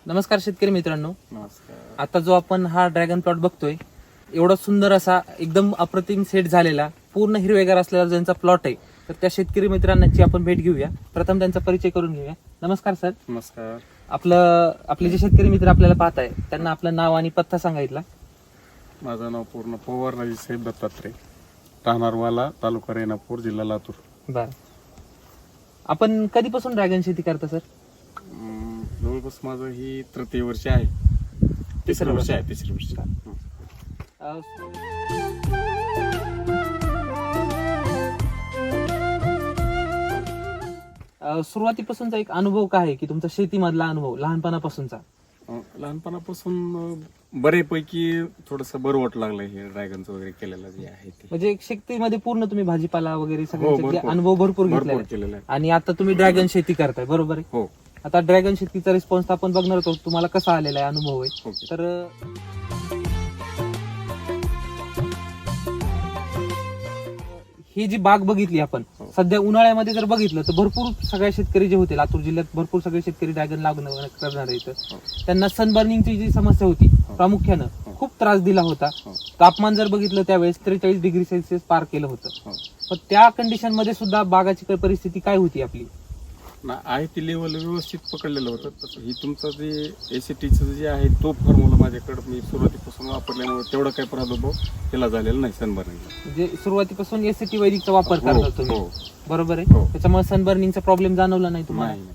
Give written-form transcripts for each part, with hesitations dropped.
नमस्कार शेतकरी मित्रांनो. नमस्कार. आता जो आपण हा ड्रॅगन प्लॉट बघतोय, एवढा सुंदर असा एकदम अप्रतिम सेट झालेला पूर्ण हिरवेगार असलेला ज्यांचा प्लॉट आहे, तर त्या शेतकरी मित्रांची आपण भेट घेऊया. प्रथम त्यांचा परिचय करून घेऊया. नमस्कार सर. नमस्कार. आपले जे शेतकरी मित्र आपल्याला पाहत आहे त्यांना आपलं नाव आणि पत्ता सांगितला. माझं नाव पूर्ण पवार राजेसाहेब दत्तात्रय, राहणार वाला, तालुका रेणापूर, जिल्हा लातूर. बर, आपण कधीपासून ड्रॅगन शेती करता सर? जवळपास माझं ही तृतीय वर्ष आहे. तिसरं वर्ष आहे. सुरुवातीपासूनचा एक अनुभव काय आहे की तुमचा शेतीमधला अनुभव लहानपणापासूनचा? लहानपणापासून बऱ्यापैकी थोडस बरं वाटू लागलं हे ड्रॅगनचं वगैरे केलेलं जे आहे ते. म्हणजे एक शेतीमध्ये पूर्ण तुम्ही भाजीपाला वगैरे हो, सगळे भरपूर. अनुभव भरपूर घेतलेला भरपूर आहे. केलेलं आहे. आणि आता तुम्ही ड्रॅगन शेती करताय, बरोबर आहे? हो. आता ड्रॅगन शेतीचा रिस्पॉन्स आपण बघणार होतो, तुम्हाला कसा आलेला आहे, अनुभव आहे. ओके. तर ही जी बाग बघितली आपण हो. सध्या उन्हाळ्यामध्ये जर बघितलं तर भरपूर सगळे शेतकरी जे होते लातूर जिल्ह्यात, भरपूर सगळे शेतकरी ड्रॅगन लागण करणार आहेत. हो. त्यांना सनबर्निंगची जी समस्या होती हो. प्रामुख्यानं हो. खूप त्रास दिला होता. हो. तापमान जर बघितलं त्यावेळेस 43 डिग्री सेल्सिअस पार केलं होतं. हो. पण त्या कंडिशन मध्ये सुद्धा बागाची परिस्थिती काय होती आपली? ना आहे ती लेवल व्यवस्थित पकडलेलं होतं. तसं ही तुमचं जे एसीटीचं जे आहे तो फॉर्म्युला माझ्याकडे मी सुरुवातीपासून वापरल्यामुळे तेवढा काही प्रादुर्भाव केला झालेला नाही सनबर्निंगला. म्हणजे सुरुवातीपासून एसीटी वैदिकचा वापर हो, करता तुम्ही, हो. बरोबर आहे? हो. त्याच्यामुळे सनबर्निंगचा प्रॉब्लेम जाणवला नाही तुम्हाला? नाही.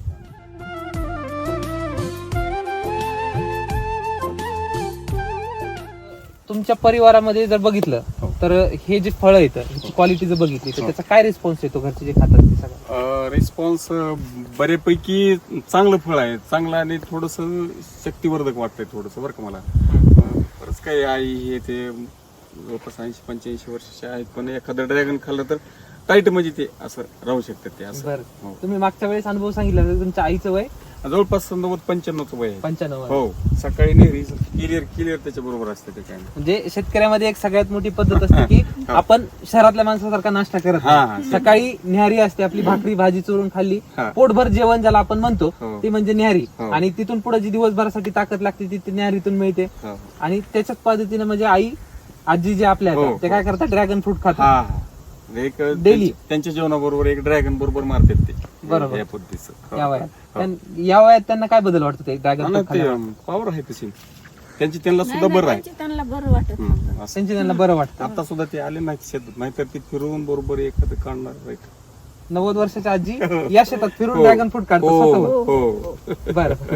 तुमच्या परिवारामध्ये जर बघितलं हो. तर हे जे फळ येतं ह्याची क्वालिटी जर बघितली तर हो. त्याचा काय रिस्पॉन्स येतो घरचे जे खातात ते सगळं? रिस्पॉन्स बऱ्यापैकी चांगलं फळ आहे, चांगलं आणि थोडस शक्तिवर्धक वाटतंय थोडस बरं का मला. बरंच काही आई हे ते जवळपास 80-85 वर्षाचे आहेत, पण एखादं ड्रॅगन खाल्लं तर टाईट म्हणजे ते असं राहू शकतात ते असं. बरं, हो. तुम्ही मागच्या वेळेस अनुभव सांगितला तर तुमच्या आईचं वय जवळपास 90-95 वय आहे. 95. हो. सकाळी नेहमी क्लिअर त्याच्या बरोबर असते ते काय. म्हणजे शेतकऱ्यामध्ये एक सगळ्यात मोठी पद्धत असते की हो. आपण शहरातल्या माणसासारखा नाश्ता करत हा, नाही. हा. सकाळी न्याहारी असते आपली, भाकरी भाजी चुरून खाल्ली, हा. पोटभर जेवण ज्याला आपण म्हणतो हो. ते म्हणजे न्याहारी. हो. आणि तिथून पुढे जी दिवसभरासाठी ताकद लागते ती न्याहारीतून मिळते. हो. आणि त्याच्याच पद्धतीने म्हणजे आजी जे आपल्या हो, आहेत, ते काय करतात, ड्रॅगन फ्रूट खातात. हा. एक Daily. त्यांच्या जेवणाबरोबर एक ड्रॅगन बरोबर मारतात ते. बरोबर. या पद्धतीचं. हो. या वयात हो. या वयात त्यांना काय बदल वाटतो ते ड्रॅगन हा ना, फ्रूट ते खाल्ल्यावर? पावर आहे तशी त्यांना सुद्धा बरं आहे. त्यांना बरं वाटत नव्हतं. असं. त्यांची त्यांना बरं वाटतं. आता सुद्धा ते आले नाही शेतात, नाहीतर ते फिरून बरोबर एखादं काढणार. 90 वर्षाच्या आजी या शेतात फिरून हो. ड्रॅगन फ्रूट काढतात हो, स्वतःहून. हो. बरं.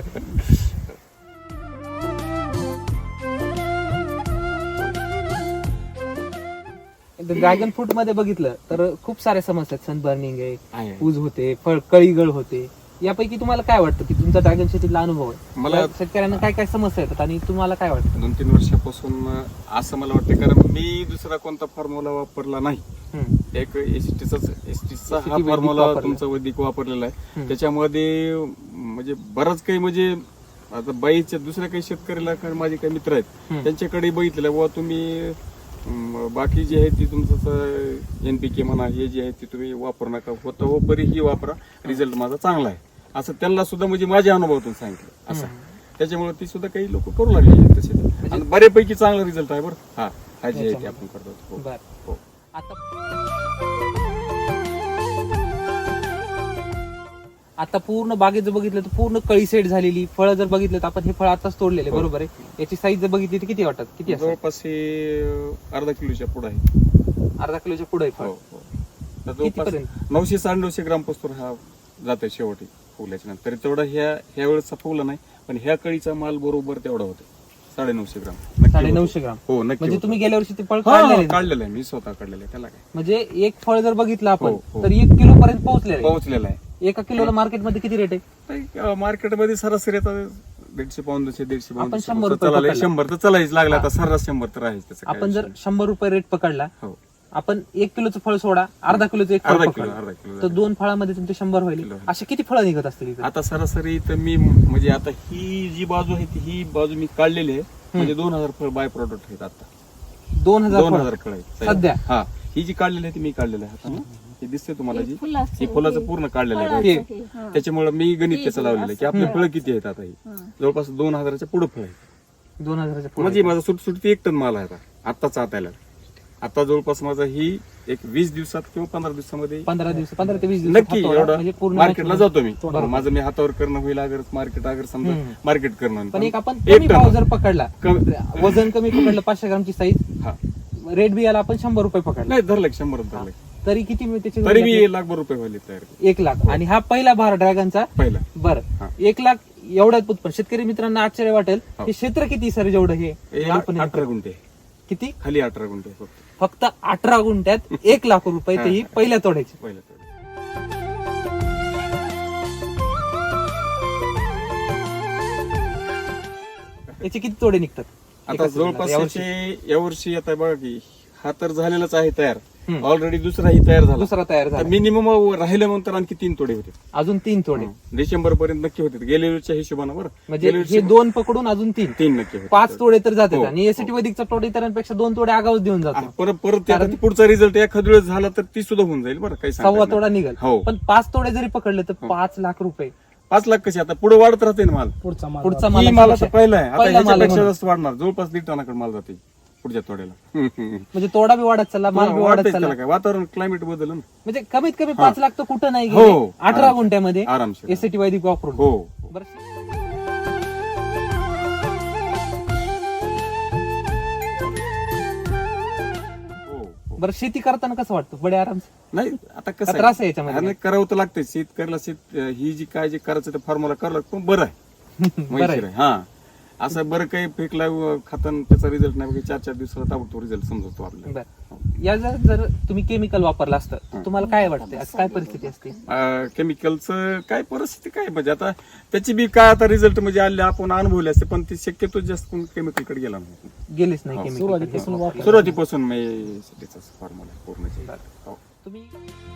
ड्रॅगन फ्रूट मध्ये बघितलं तर खूप साऱ्या समस्या आहेत. सनबर्निंग आहे, आहे. पूज होते, फळ कळीगळ होते. यापैकी तुम्हाला काय वाटतं की तुमचा ड्रॅगन शेतीतला अनुभव आहे? मला शेतकऱ्यांना काय काय समस्या येतात आणि तुम्हाला काय वाटतं? 2-3 वर्षापासून असं मला वाटतं, कारण मी दुसरा कोणता फॉर्म्युला वापरला नाही. हम्म. एक एसटीचा हा वैदिक फॉर्म्युला वापरला. तुमचा वैदिक वापरलेला आहे. हम्म. त्याच्यामध्ये म्हणजे बराच काही म्हणजे आता बाईच्या दुसऱ्या काही शेतकऱ्याला काही माझे काही मित्र आहेत हम्म. त्यांच्याकडे बघितलेलं बुवा तुम्ही बाकी जे आहे ती तुमचं NPK म्हणा हे जे आहे ते तुम्ही वापरू नका, होतं हो परी ही वापरा, रिझल्ट माझा चांगला आहे असं त्यांना सुद्धा म्हणजे माझ्या अनुभवातून सांगितलं असं. त्याच्यामुळे ती सुद्धा काही लोक करू लागले तसे आणि बऱ्यापैकी चांगला रिझल्ट आहे बरं. हा जे आहे ते आपण करतो. हो. बरं. हो. आता पूर्ण बागेत जर बघितलं तर पूर्ण कळी सेट झालेली फळं जर बघितलं तर आपण हे फळ आताच तोडलेले, हो. बरोबर आहे? याची साईज जर बघितली तर किती वाटत? किती असं? जवळपास हे अर्धा किलोच्या पुढे आहे. अर्धा किलोच्या पुढे हो, हो. तर कितीपर्यंत? जवळपास 900-950 ग्राम पासून हा जातोय शेवटी फुल्याच्या नंतर. तरी तेवढा ह्या वेळेचा फुला नाही, पण ह्या कळीचा माल बरोबर तेवढा होतो 950 ग्राम. नक्की 950 होतो. ग्राम. हो, नक्की म्हणजे होतो. तुम्ही गेल्या वर्षी ते फळ हा, काढलेले ना? काढलेलं आहे मी, स्वतः काढलेलं आहे. त्याला काय म्हणजे एक फळ जर बघितलं आपण हो, हो. तर 1 किलो पर्यंत पोहोचलेलं आहे. पोहोचलेला आहे. एका किलोला मार्केटमध्ये किती रेट आहे? मार्केटमध्ये सरासरी आता 150 पाऊंड 150 आपण पाऊंड 100 रुपये चालायला पकडला. 100 तर चालायच लागला आता सर्रास 100 तर आहे त्याचं काय आपण जर विषय 100 रुपये रेट पकडला, नाही. हो, आपण 1 किलोचं फळ सोडा, अर्धा किलोचं एक फळ अर्धा पकडलं, किलो तर 2 फळामध्ये तुमचे 100 होईल. किलो. असे किती फळं निघत असतील इथे? आता सरासरी तर मी म्हणजे आता ही जी बाजू आहे ही बाजू मी काढलेली आहे, म्हणजे 2000 फळ बाय प्रोडक्ट आहेत आता. 2000 फळं 2000 फळ आहेत सध्या? हा. ही जी काढलेली आहे ती मी काढलेली आहे हातानं. हे दिसते तुम्हाला जी फुलाचं ही फुलाचं पूर्ण काढलेलं आहे हे. बाहेरचं. त्याच्यामुळे मी गणित त्याचं लावलेलं आहे की आपले फळं किती आहेत आता ही जवळपास 2000च्या पुढे फळ आहे 2000च्या पुढे. म्हणजे माझा सुटसुटी 1 टन माल आहे आता आत्ताच आतायला. आता जवळपास माझा ही एक 20 दिवसात किंवा 15 दिवसामध्ये 15 ते 20 दिवस नक्की एवढं म्हणजे पूर्ण मार्केटला जातो मी माझं मी हातावर करणं होईल अगर मार्केट अगर समजा मार्केट करणं पण एक आपण एक कमी टन. भाव जर पकडला कमी- वजन कमी पकडलं 500 ग्रामची साईज हा रेट बी याला आपण 100 रुपये पकडला नाही धरलं 100 धरलं तरी किती मिळते त्याची तरी value? मी 1 लाख रुपये व्हायला तयार 1 लाख आणि हा पहिला भार ड्रॅगनचा पहिला बरं हा. 1 लाख एवढ्यात उत्पन्न शेतकरी मित्रांना आश्चर्य वाटेल हो. हे क्षेत्र किती सर जेवढं हे हे उत्पन्न 18 गुंठे किती खाली 18 गुंठे फक्त फक्त 18 गुंठ्यात 1 लाख रुपये ते ही पहिल्या तोड्याची पहिला तोडा. याचे किती तोडे निघतात आता एका जवळपास यावर्षी? यावर्षी आता बघा की हा तर झालेलाच आहे तयार हम्म. ऑलरेडी दुसराही तयार झाला दुसरा तयार तर झाला मिनिमम राहिले म्हणून आणखी 3 तोडे होते अजून 3 तोडे डिसेंबर पर्यंत नक्की होते गेल्या वेळच्या हिशोबानं बरं म्हणजे गेल्या हे वर्षी 2 पकडून अजून 3 3 नक्की होते 5 तोडे तर जातात हो. आणि एसीटी वैदिकचा तोडे इतरांपेक्षा 2 तोडे आगाऊच देऊन जातो परत ते आता पुढचा रिझल्ट एखाद वेळेस झाला तर ती सुद्धा होऊन जाईल बरं काही सांगता सव्वा येत तोडा नाही. निघेल हो पण 5 तोडे जरी पकडले तर 5 लाख रुपये 5 लाख कशी आता पुढे वाढत राहते ना माल पुढचा ही माल माल आता पहिला आहे आता पहिला माल आहे ह्याच्यापेक्षा म्हणून. जास्त वाढणार जवळपास 1.5 टनाकडे माल जाते पुढच्या तोड्याला म्हणजे तोडा बी वाढत चालला माल बी वाढत वाढतंय चालला त्याला काय वातावरण क्लायमेट बदल ना म्हणजे कमीत कमी 5 लाख तर कुठं नाही हो. गेले 18 आरामशीर. गुंठ्यामध्ये आरामशीर एसीटी वैदिक वापरून हो बरं हो बरं शेती करताना कसं वाटतं बडे आराम नाही आता कसं का त्रास आहे याच्यामध्ये? आणि करावं तर लागतंय शेतकऱ्याला ही जी काय जे करायचं ते फॉर्म्युला करावं लागतं पण बरं आहे बरं आहे. मजेशीर आहे. हा असं बरं काही फेकला खाताना त्याचा रिझल्ट नाही 4 दिवसाला ताबडतोब रिझल्ट समजतो आपल्याला बरं या जर तुम्ही केमिकल वापरलं असतं तर तुम्हाला काय वाटतं आज काय परिस्थिती असते केमिकलचं काय परिस्थिती काय म्हणजे आता त्याची बी काय आता रिझल्ट म्हणजे आले आपण अनुभवले असते पण ते शक्यतो जास्त कोण केमिकलकडे गेला नाही गेलीच नाही हो. केमिकल सुरुवातीपासून मी फॉर्म्युला पूर्ण हो. तुम्ही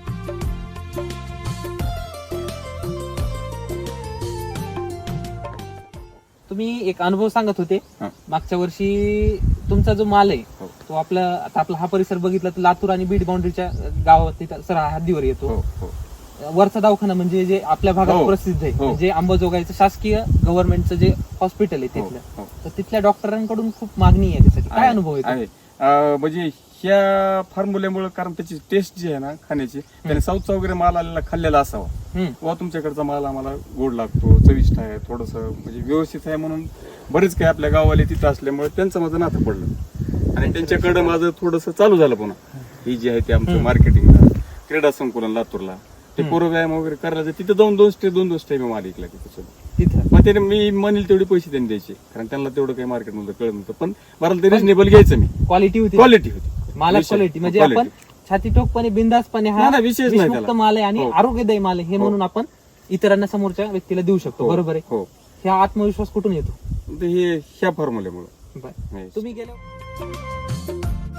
तुम्ही एक अनुभव सांगत होते हा. मागच्या वर्षी तुमचा जो माल आहे हो. तो आता आपला हा परिसर बघितला तर लातूर आणि बीड बाउंड्रीच्या गावात तिथं सर हद्दीवर येतो हो हो वरचा दवाखाना म्हणजे जे आपल्या भागात हो. प्रसिद्ध आहे हो. म्हणजे अंबाजोगाईचं शासकीय गव्हर्नमेंटचं जे हॉस्पिटल आहे हो, तिथलं हो. तर तिथल्या डॉक्टरांकडून खूप मागणी आहे त्यासाठी काय अनुभव आहे आहे म्हणजे ह्या फॉर्म्युल्यामुळे कारण त्याची टेस्ट जी आहे ना खाण्याची त्याने साऊथचा वगैरे माल आलेला खाल्लेला असावा किंवा तुमच्याकडचा माल आम्हाला गोड लागतो चविष्ट आहे थोडस म्हणजे व्यवस्थित आहे म्हणून बरेच काही आपल्या गावाले तिथं असल्यामुळे त्यांचं माझं नातं पडलं आणि त्यांच्याकडे माझं थोडस चालू झालं पुन्हा ही जी आहे ते आमचं मार्केटिंग क्रीडा संकुलन लातूरला ते पूर्वव्यायाम वगैरे करायला तिथं जाऊन 2 स्टे मी माल ऐकला तिथं तिथं मग त्याने मी म्हणेल तेवढे पैसे त्यांनी द्यायचे कारण त्यांना तेवढं काही मार्केट मध्ये कळत नव्हतं पण मला ते रिजनेबल घ्यायचं मी क्वालिटी होती क्वालिटी होती माला विषय- क्वालिटी म्हणजे quality. आपण छातीठोकपणे बिंदासपणे हा नाही, नाही, विषयच नाही विषमुक्त त्याला. माल आहे आणि हो. आरोग्यदायी माल आहे हे म्हणून आपण इतरांना समोरच्या व्यक्तीला देऊ शकतो हो, बरोबर आहे हो हा आत्मविश्वास कुठून येतो ते हे ह्या फॉर्म्युल्यामुळे बरं. तुम्ही गेल्या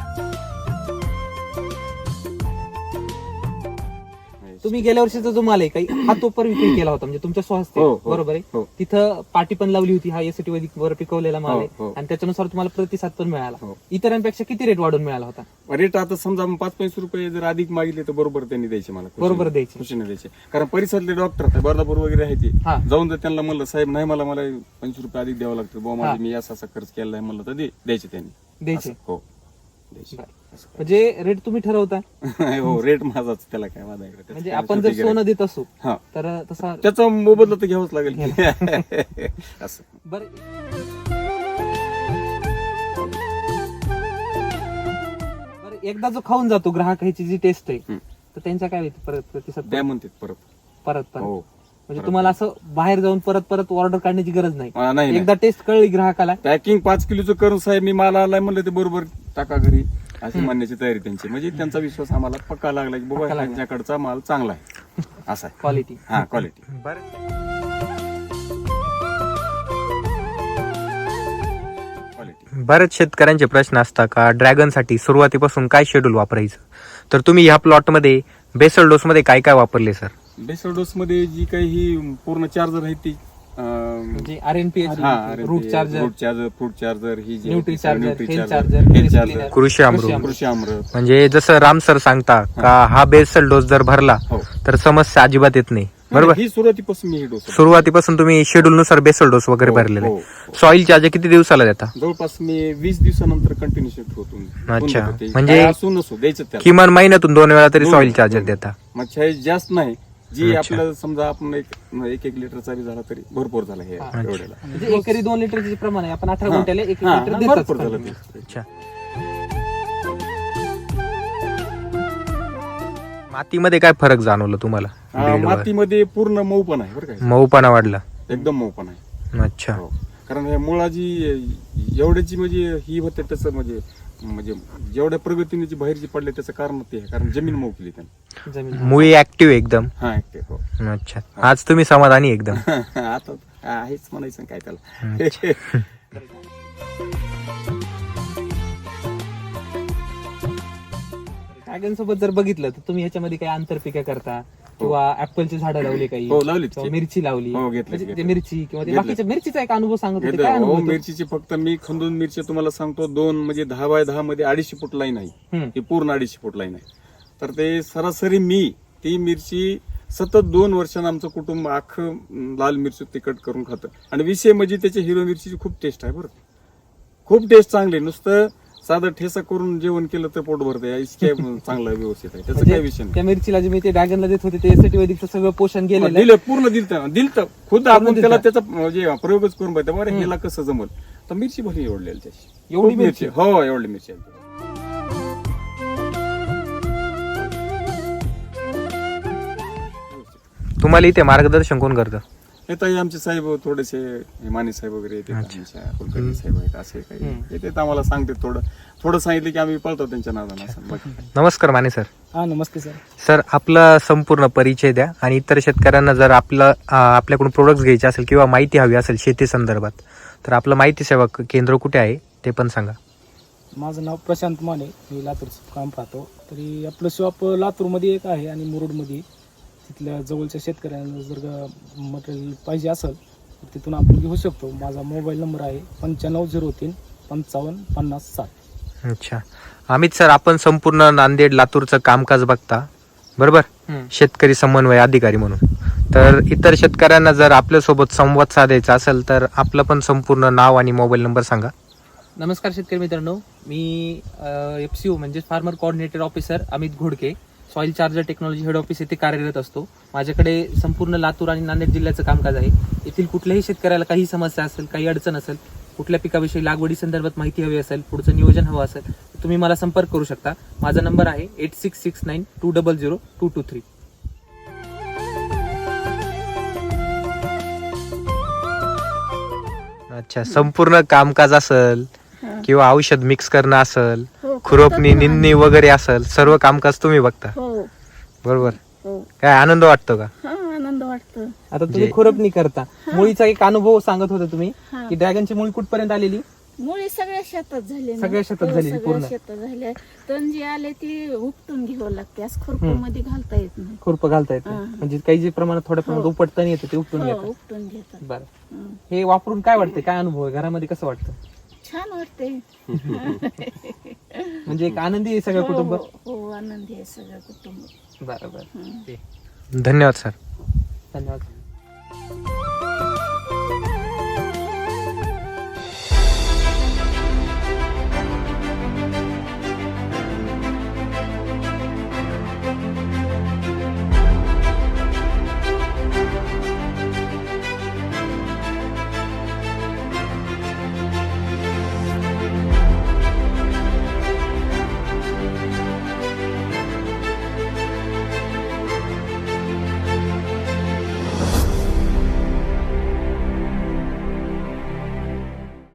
तुम्ही गेल्या वर्षीचा जो माल आहे काही हा तोपर विक्री केला होता म्हणजे तुमच्या स्वहस्ते हो, हो, बरोबर आहे हो. तिथं पाटी पण लावली होती हा एसीटी वैदिक वर पिकवलेला माल हो, आहे हो. आणि त्याच्यानुसार तुम्हाला प्रतिसाद पण मिळाला हो. इतरांपेक्षा किती रेट वाढून मिळाला होता रेट आता समजा 5-5 रुपये जर अधिक मागितले तर बरोबर त्यांनी द्यायचे मला खुशीने. बरोबर द्यायचे. खुशीने द्यायचे कारण परिसरातले डॉक्टर बर्दापूर वगैरे आहे ते हा. जाऊन जर त्यांना म्हणलं साहेब नाही मला 25 रुपये अधिक द्यावं लागतं बुवा हा. माझे मी असा खर्च केला आहे म्हणलं तर द्यायचे त्यांनी द्यायचे असं, हो द्यायचे बरं. असं. म्हणजे रेट तुम्ही ठरवता हो रेट माझाच त्याला काय माझा इकडे म्हणजे आपण जर सोनं देत असू हा तर तसा त्याचा मोबदला तर घ्यावाच लागेल की. असं बरं एकदा जो खाऊन जातो ग्राहकाची जी टेस्ट आहे तर त्यांच्या काय होती परत प्रतिसाद द्या म्हणतात परत परत हो म्हणजे तुम्हाला असं बाहेर जाऊन परत ऑर्डर काढण्याची गरज नाही नाही एकदा टेस्ट कळली ग्राहकाला पॅकिंग 5 किलोचं करून साहेब मी मला आलाय म्हणलं ते बरोबर टाका घरी अशी म्हणण्याची तयारी त्यांची म्हणजे त्यांचा विश्वास आम्हाला पक्का लागला की बाबा त्यांच्याकडचा माल चांगला आहे असा आहे क्वालिटी हा क्वालिटी क्वालिटी बरेच शेतकऱ्यांचे प्रश्न असतात का ड्रॅगनसाठी सुरुवातीपासून काय शेड्यूल वापरायचं तर तुम्ही ह्या प्लॉटमध्ये बेसल डोस मध्ये काय काय वापरले सर बेसल डोस मध्ये जी काही ही पूर्ण चार्जर आहे ती म्हणजे RNPH, root charger, fruit charger, ही जी nutri charger, health charger, charger, Krishi Amrut. कृषी अमृत. म्हणजे जसं राम सर सांगता का हा बेसल डोस जर भरला हो. तर समस्या अजिबात येत नाही, बरोबर. ही सुरुवातीपासून मी हे डोस सुरुवातीपासून तुम्ही शेड्यूल नुसार बेसल डोस वगैरे भरलेले. हो. सॉइल चार्ज किती दिवसाला देता? जवळपास मी 20 दिवसानंतर कंटिन्यू शिफ्ट होतो. अच्छा. म्हणजे म्हणजे असू नसू द्यायचं त्याला. किमान महिन्यातून 2 वेळा तरी दोन सॉइल वेळा, चार्जर दोन. देता. मग चाय जास्त नाही, जी अच्छा. आपल्याला समजा आपण एक लिटरचा बी झाला तरी भरपूर झाला हे एवढ्याला. म्हणजे एकरी 2 लिटरचे प्रमाण आहे. आपण 18 गुंठ्याला 1 हा, लिटर भरपूर देतात. झालं ते. अच्छा. मातीमध्ये काय फरक जाणवलं तुम्हाला? बेडवर? मातीमध्ये पूर्ण मऊपणा आहे बरं काय, मऊपणा वाढला. एकदम मऊपणा आहे. अच्छा. हो. कारण हे मुळाची एवढ्याची म्हणजे ही होते त्याचं म्हणजे जेवढ्या प्रगतीने जी बाहेरची पडले त्याचं कारण ते आहे, कारण जमीन मऊ केली त्याने. जमीन. मुळी ऍक्टिव्ह एकदम. हा active, हो. अच्छा. आज तुम्ही समाधानी एकदम. आता आहेच म्हणायचं काय त्याला. ड्रॅगन सोबत जर बघितलं तर तुम्ही ह्याच्यामध्ये काही आंतरपिका करता किंवा ऍपलची झाडं लावली काही, हो, लावलीत. किंवा मिरची लावली, हो, घेतली, म्हणजे ते घेतली. मिरची किंवा ते घेतली. बाकीच्या मिरचीचा एक अनुभव सांगत होते. काय अनुभव हो, होता? मिरचीची फक्त मी खंदून मिरची तुम्हाला सांगतो 2 म्हणजे 10 बाय 10 मध्ये 250 फूट लाईन आहे. हम्म. ही पूर्ण 250 फूट लाईन आहे. तर ते सरासरी मी ती मिरची सतत 2 वर्षांनी आमचं कुटुंब अख्खं लाल मिरची तिखट करून खातं. आणि विषय म्हणजे त्याची हिरवी मिरचीची खूप टेस्ट आहे बरं, खूप टेस्ट चांगली. नुसतं साधं ठेसा करून जेवण केलं तर पोट भरतं, इतके चांगलं व्यवस्थित आहे, त्याचा काही विषय नाही. त्या मिरचीला जे मी ते ड्रॅगनला देत होते ते एसटी वैदिकचं सगळं पोषण गेलेलं आहे. दिलं, पूर्ण दिलं खुद आपण दिलतं. त्याला त्याचा म्हणजे प्रयोगच करून पाहिजे बरं ह्याला कसं जमल. तर मिरची भरली एवढली त्याची, एवढी खूप मिरची? हो एवढी मिरची आहे. तुम्हाला इथे मार्गदर्शन कोण करतं? येतात आमचे साहेब थोडेसे माने साहेब वगैरे येतात, आमच्या कुलकर्णी साहेब आहेत, असे काही येतात आम्हाला सांगते. थोडं सांगितलं की आम्ही पळतो त्यांच्या नादानं असं. बाकी काय. नमस्कार माने सर. हा नमस्ते सर. सर आपला संपूर्ण परिचय द्या आणि इतर शेतकऱ्यांना जर आपल्याकडून प्रोडक्ट्स घ्यायचे असेल किंवा माहिती हवी असेल शेती संदर्भात तर आपलं माहिती सेवा केंद्र कुठे आहे ते पण सांगा. माझं नाव प्रशांत माने, मी लातूरचं काम पाहतो. तरी आपलं शॉप लातूरमध्ये एक आहे आणि मुरुडमध्ये. तिथल्या जवळच्या शेतकऱ्यांना जर मटेरियल पाहिजे असेल तर तिथून आपण घेऊ शकतो. माझा मोबाईल नंबर आहे 9503 55 50 7. अच्छा. अमित सर, आपण संपूर्ण नांदेड लातूरचं कामकाज बघता, बरोबर, शेतकरी समन्वय अधिकारी म्हणून. तर इतर शेतकऱ्यांना जर आपल्यासोबत संवाद साधायचा असेल तर आपलं पण संपूर्ण नाव आणि मोबाईल नंबर सांगा. नमस्कार शेतकरी मित्रांनो, मी FCO म्हणजे farmer coordinator officer Amit Ghodke, soil charger technology head office येथे कार्यरत असतो. माझ्याकडे संपूर्ण लातूर आणि नांदेड जिल्ह्याचं कामकाज आहे. येथील कुठल्याही शेतकऱ्याला काही समस्या असेल, काही अडचण असेल, कुठल्या पिकाविषयी लागवडी संदर्भात माहिती हवी असेल, पुढचं नियोजन हवं असेल तर तुम्ही मला संपर्क करू शकता. माझा नंबर आहे 8669 200 223. अच्छा. संपूर्ण कामकाज असेल किंवा औषध मिक्स करणं असेल, खुरपणी निंदणी वगैरे असेल, सर्व कामकाज तुम्ही बघता, हो बरोबर. हो. काय आनंद वाटतो का? हा आनंद वाटतो. आता तुम्ही खुरपणी करता, मुळीचा एक अनुभव सांगत होता तुम्ही हा. की ड्रॅगनची मुळी कुठपर्यंत आलेली? मुळे सगळ्या शेतात झाले ना. सगळ्या शेतात हो, झालेली सगळ्या पूर्ण? शेतात झाले. तण जे आले ते उपटून घ्यावं लागते, आज खुरपीमध्ये घालता येत नाही. खुरप घालता येतं, हा. म्हणजे काही जे प्रमाणात थोड्या प्रमाणात हो. उपटतं येतं ते उपटून हो, घेतात. उपटून घेतात. बरं, हं. हे वापरून काय वाटतं, काय अनुभव आहे घरामध्ये, कसं वाटतं? छान वाटते. म्हणजे एक आनंदी आहे सगळं कुटुंब. हो, हो आनंदी आहे सगळं कुटुंब. बरोबर. हं. धन्यवाद सर. धन्यवाद.